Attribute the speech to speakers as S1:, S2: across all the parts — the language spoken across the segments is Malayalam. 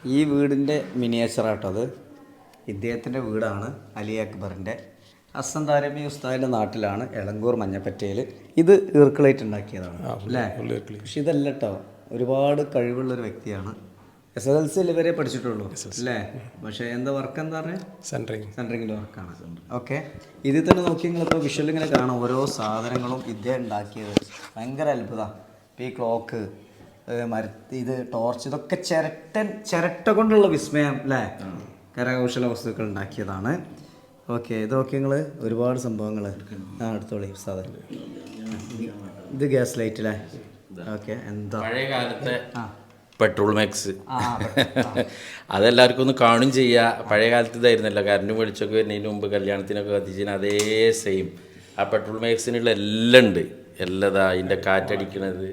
S1: ഈ വീടിൻ്റെ മിനിയേച്ചറാട്ടോ അത്. ഇദ്ദേഹത്തിൻ്റെ വീടാണ് അലി അക്ബറിൻ്റെ. ഹസ്സൻ ദാരിമി ഉസ്താദിൻ്റെ നാട്ടിലാണ് എളങ്കൂർ മഞ്ഞപ്പറ്റയിൽ. ഇത് ഈർക്കിളായിട്ട് ഉണ്ടാക്കിയതാണ് അല്ലേ? പക്ഷെ ഇതല്ല കേട്ടോ, ഒരുപാട് കഴിവുള്ളൊരു വ്യക്തിയാണ്. SSLC വരെ പഠിച്ചിട്ടുള്ളൂ അല്ലേ? പക്ഷേ എന്താ വർക്ക് എന്താ പറയുക? സെൻറ്ററിങ്ങിൻ്റെ വർക്കാണ്. ഓക്കെ, ഇതിൽ തന്നെ നോക്കി നിങ്ങളിപ്പോൾ വിഷ്വൽ ഇങ്ങനെ കാണാം. ഓരോ സാധനങ്ങളും ഇദ്ദേഹം ഉണ്ടാക്കിയത് ഭയങ്കര അത്ഭുതമാണ്. ഇപ്പോൾ ഈ ക്ലോക്ക്, ഇത് ടോർച്ച്, ഇതൊക്കെ ചിരട്ട കൊണ്ടുള്ള വിസ്മയം അല്ലേ? കരകൗശല വസ്തുക്കൾ ഉണ്ടാക്കിയതാണ്. ഓക്കെ, ഇതൊക്കെ നിങ്ങൾ ഒരുപാട് സംഭവങ്ങൾ എടുത്തോളി സാധനം. ഇത് ഗ്യാസ് ലൈറ്റ് അല്ലേ? ഓക്കെ, എന്താ
S2: പഴയ കാലത്തെ പെട്രോൾ മാക്സ് അതെല്ലാവർക്കും ഒന്ന് കാണും ചെയ്യുക. പഴയ കാലത്ത് ഇതായിരുന്നല്ലോ, കറണ്ടും വെളിച്ചൊക്കെ വരുന്നതിന് മുമ്പ് കല്യാണത്തിനൊക്കെ കത്തിച്ചതിന് അതേ സെയിം ആ പെട്രോൾ മാക്സിനുള്ള എല്ലാം ഉണ്ട്. എല്ലാം അതിൻ്റെ കാറ്റടിക്കണത്,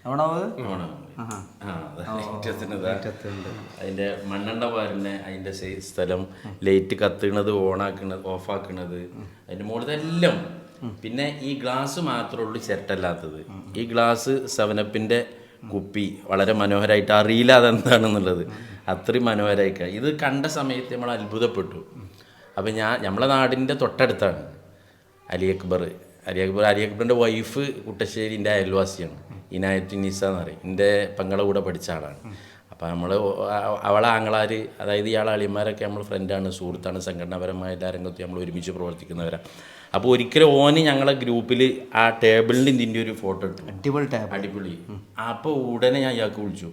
S2: അതിൻ്റെ മണ്ണെണ്ണ പാരുന്ന അതിൻ്റെ സ്ഥലം, ലൈറ്റ് കത്തുന്നത്, ഓണാക്കണത്, ഓഫാക്കണത്, അതിൻ്റെ മുകളിലെല്ലാം. പിന്നെ ഈ ഗ്ലാസ് മാത്രമേ ഉള്ളൂ ചിരട്ടല്ലാത്തത്. ഈ ഗ്ലാസ് 7up കുപ്പി വളരെ മനോഹരമായിട്ട്, അറിയില്ല അതെന്താണെന്നുള്ളത്, അത്രയും മനോഹരമായിക്കാണ്. ഇത് കണ്ട സമയത്ത് നമ്മൾ അത്ഭുതപ്പെട്ടു. അപ്പം നമ്മളെ നാടിൻ്റെ തൊട്ടടുത്താണ് അലി അക്ബറിൻ്റെ വൈഫ് കുട്ടശ്ശേരിൻ്റെ അയൽവാസിയാണ്, ഇനായത്ത് നിസ എന്ന് പറയും. എൻ്റെ പെങ്ങളെ കൂടെ പഠിച്ച ആളാണ്. അപ്പോൾ നമ്മൾ അവളെ ആങ്ങളാർ, അതായത് ഇയാളെ അളിയന്മാരൊക്കെ നമ്മൾ ഫ്രണ്ടാണ്, സുഹൃത്താണ്, സംഘടനാപരമായ എല്ലാ രംഗത്തും നമ്മൾ ഒരുമിച്ച് പ്രവർത്തിക്കുന്നവരാണ്. അപ്പോൾ ഒരിക്കലും ഓന് ഞങ്ങളെ ഗ്രൂപ്പിൽ ആ ടേബിളിൻ്റെ ഇതിൻ്റെ ഒരു ഫോട്ടോ ഇട്ടു, അടിപൊളി. അപ്പോൾ ഉടനെ ഞാൻ ഇയാൾക്ക് വിളിച്ചു,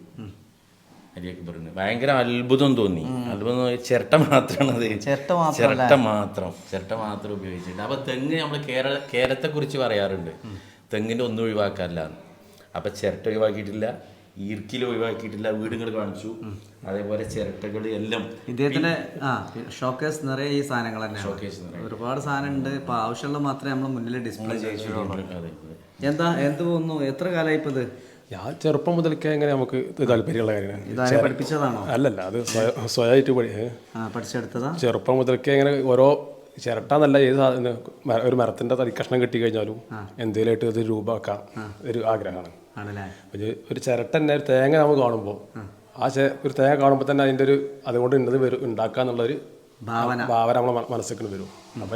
S2: അലി അക്ബറിന് ഭയങ്കര അത്ഭുതം തോന്നി. ചിരട്ട മാത്രമാണത്, ചിരട്ട മാത്രം ഉപയോഗിച്ചിട്ട്. അപ്പോൾ തെങ്ങ് നമ്മൾ കേരളത്തെക്കുറിച്ച് പറയാറുണ്ട്, തെങ്ങിൻ്റെ ഒന്നും ഒഴിവാക്കാറില്ല. അപ്പം ചിരട്ട ഒഴിവാക്കിയിട്ടില്ല, ഈർക്കിൽ ഒഴിവാക്കിയിട്ടില്ല, വീടുകൾ കാണിച്ചു. അതേപോലെ ചിരട്ടകൾ എല്ലാം
S1: ഇദ്ദേഹത്തിന്റെ ഷോക്കേസ് നിറയെ ഈ സാധനങ്ങൾ തന്നെ. ഒരുപാട് സാധനം ഉണ്ട്. ഇപ്പൊ ആവശ്യമുള്ള മാത്രമേ നമ്മൾ മുന്നിൽ ഡിസ്പ്ലേ ചെയ്യിച്ചുള്ളൂ. എന്ത് തോന്നുന്നു, എത്ര കാലമായി ഇപ്പൊ ഇത്?
S3: ഞാൻ ചെറുപ്പം മുതൽക്കേ എങ്ങനെ നമുക്ക് താല്പര്യമുള്ള കാര്യമാണ്.
S1: ഇതാരെ പഠിപ്പിച്ചതാണോ?
S3: അല്ലല്ല, അത് സ്വയമായിട്ട്
S1: പഠിച്ചെടുത്തതാ.
S3: ചെറുപ്പം മുതൽക്കേ ഇങ്ങനെ ഓരോ ചിരട്ട എന്നല്ല, ഏത് സാധനം, ഒരു മരത്തിന്റെ തടി കഷ്ണം കിട്ടി കഴിഞ്ഞാലും എന്തെങ്കിലുമായിട്ട് ഇത് രൂപമാക്കാം ഒരു ആഗ്രഹമാണ്. ഒരു ചിരട്ട തന്നെ, ഒരു തേങ്ങ നമുക്ക് കാണുമ്പോൾ, ഒരു തേങ്ങ കാണുമ്പോൾ തന്നെ അതിൻ്റെ ഒരു അതുകൊണ്ട് ഇന്നത് ഉണ്ടാക്കുക എന്നുള്ളൊരു ഭാവന നമ്മളെ മനസ്സിൽ വരും. അപ്പോൾ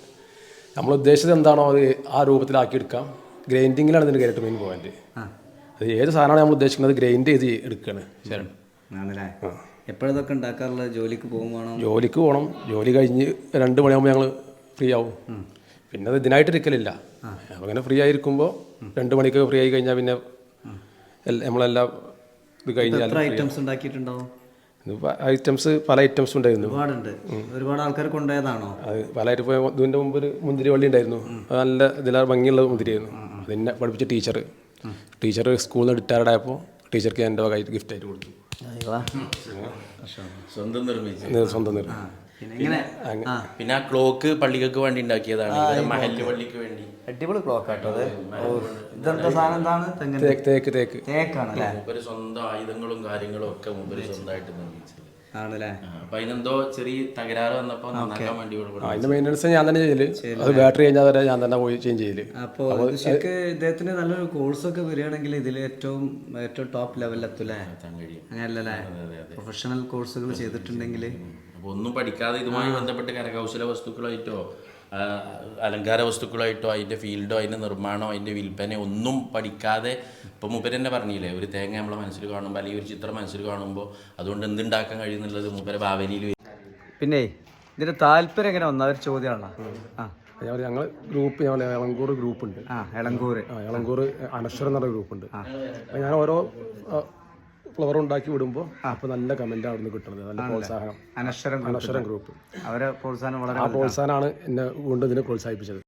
S3: നമ്മൾ ഉദ്ദേശിച്ചത് എന്താണോ അത് ആ രൂപത്തിലാക്കിയെടുക്കാം. ഗ്രൈൻഡിങ്ങിലാണ് ഇതിൻ്റെ കയറിയിട്ട് മെയിൻ പോയിന്റ്. അത് ഏത് സാധനമാണ് നമ്മൾ ഉദ്ദേശിക്കുന്നത് ഗ്രൈൻഡ് ചെയ്ത് എടുക്കുകയാണ് ചിരട്ട.
S1: എപ്പോഴതൊക്കെ ഉണ്ടാക്കാറുള്ളത്? ജോലിക്ക്
S3: പോകണം. ജോലി കഴിഞ്ഞ് 2 മണിയാകുമ്പോൾ ഞങ്ങൾ ഫ്രീ ആവും. പിന്നെ അത് ഇതിനായിട്ട് ഇരിക്കലില്ല. അപ്പം അങ്ങനെ ഫ്രീ ആയിരിക്കുമ്പോൾ 2 മണിക്ക് ഫ്രീ ആയി കഴിഞ്ഞാൽ പിന്നെ നമ്മളെല്ലാം ഇത് കഴിഞ്ഞാൽ
S1: ഐറ്റംസ് ഉണ്ടാക്കിയിട്ടുണ്ടാവും.
S3: ഐറ്റംസ് പല ഐറ്റംസ് ഉണ്ടായിരുന്നു.
S1: ഒരുപാട് ആൾക്കാർ കൊണ്ടുപോയതാണോ?
S3: അത് പലയിട്ട് പോയ ഇതിൻ്റെ മുമ്പ് ഒരു മുന്തിരി വള്ളി ഉണ്ടായിരുന്നു. അത് നല്ല ഇതിലാണ് ഭംഗിയുള്ള മുന്തിരിയായിരുന്നു. അതിനെ പഠിപ്പിച്ച ടീച്ചർ സ്കൂളിൽ നിന്ന് റിട്ടയർഡ് ആയപ്പോൾ ടീച്ചർക്ക് എൻ്റെ വകയായിട്ട് ഗിഫ്റ്റ് ആയിട്ട് കൊടുത്തു.
S2: സ്വന്തം
S3: നിർമ്മിച്ചു.
S2: പിന്നെ ആ ക്ലോക്ക് പള്ളികൾക്ക് വേണ്ടി ഉണ്ടാക്കിയതാണ്, മഹല്ല് പള്ളിക്ക് വേണ്ടി.
S1: അടിപൊളി ക്ലോക്ക് ആട്ടോ അത്. ഇതെന്താ സാധനം? എന്താണ്? തേക്കാണല്ലേ?
S2: മൂപ്പര് സ്വന്തം ആയുധങ്ങളും കാര്യങ്ങളും ഒക്കെ മൂപ്പര് സ്വന്തമായിട്ട് നിർമ്മിച്ചത്
S1: ആണല്ലേ?
S2: അപ്പൊ അതിനെന്തോ ചെറിയ തകരാറ് വന്നപ്പോ നന്നാക്കാൻ വേണ്ടി
S3: അതിന്റെ മെയിൻ്റെനൻസ് ഞാൻ തന്നെ ചെയ്യല്. അത് ബാറ്ററി കഴിഞ്ഞാൽ വരെ ഞാൻ തന്നെ പോയി ചേഞ്ച് ചെയ്യല്.
S1: അപ്പോൾ ശരിക്ക് ഇദ്ദേഹത്തിന് നല്ലൊരു കോഴ്സൊക്കെ വരികയാണെങ്കിൽ ഇതിൽ ഏറ്റവും ടോപ്പ് ലെവലിലെത്തൂലേ? അങ്ങനെയല്ലേ? പ്രൊഫഷണൽ കോഴ്സുകൾ ചെയ്തിട്ടുണ്ടെങ്കിൽ.
S2: അപ്പോൾ ഒന്നും പഠിക്കാതെ ഇതുമായി ബന്ധപ്പെട്ട് കരകൗശല വസ്തുക്കളായിട്ടോ അലങ്കാര വസ്തുക്കളായിട്ടോ അതിൻ്റെ ഫീൽഡോ അതിൻ്റെ നിർമ്മാണമോ അതിൻ്റെ വിൽപ്പനയോ ഒന്നും പഠിക്കാതെ, ഇപ്പോൾ മൂപ്പര് തന്നെ പറഞ്ഞില്ലേ, ഒരു തേങ്ങ നമ്മളെ മനസ്സിൽ കാണുമ്പോൾ അല്ലെങ്കിൽ ഒരു ചിത്രം മനസ്സിൽ കാണുമ്പോൾ അതുകൊണ്ട് എന്തുണ്ടാക്കാൻ കഴിയുന്നുള്ളത് മൂപ്പരെ ഭാവനയിൽ.
S1: പിന്നെ ഇതിൻ്റെ താല്പര്യം എങ്ങനെ വന്ന ഒരു ചോദ്യമാണ്.
S3: ഞങ്ങൾ ഗ്രൂപ്പ്, എളങ്കൂർ ഗ്രൂപ്പുണ്ട്. എളങ്കൂർ അനശ്വരം എന്നുള്ള ഗ്രൂപ്പുണ്ട്. ഞാൻ ഓരോ ഫ്ലവർ ഉണ്ടാക്കി വിടുമ്പോൾ അപ്പോൾ നല്ല കമൻറ്റ് അവിടെ നിന്ന് കിട്ടുന്നത്, നല്ല പ്രോത്സാഹനം.
S1: അനശ്വരം ഗ്രൂപ്പ്, അവരെ പ്രോത്സാഹനം
S3: പ്രോത്സാഹനമാണ് എന്നെ കൊണ്ട് ഇതിനെ പ്രോത്സാഹിപ്പിച്ചത്.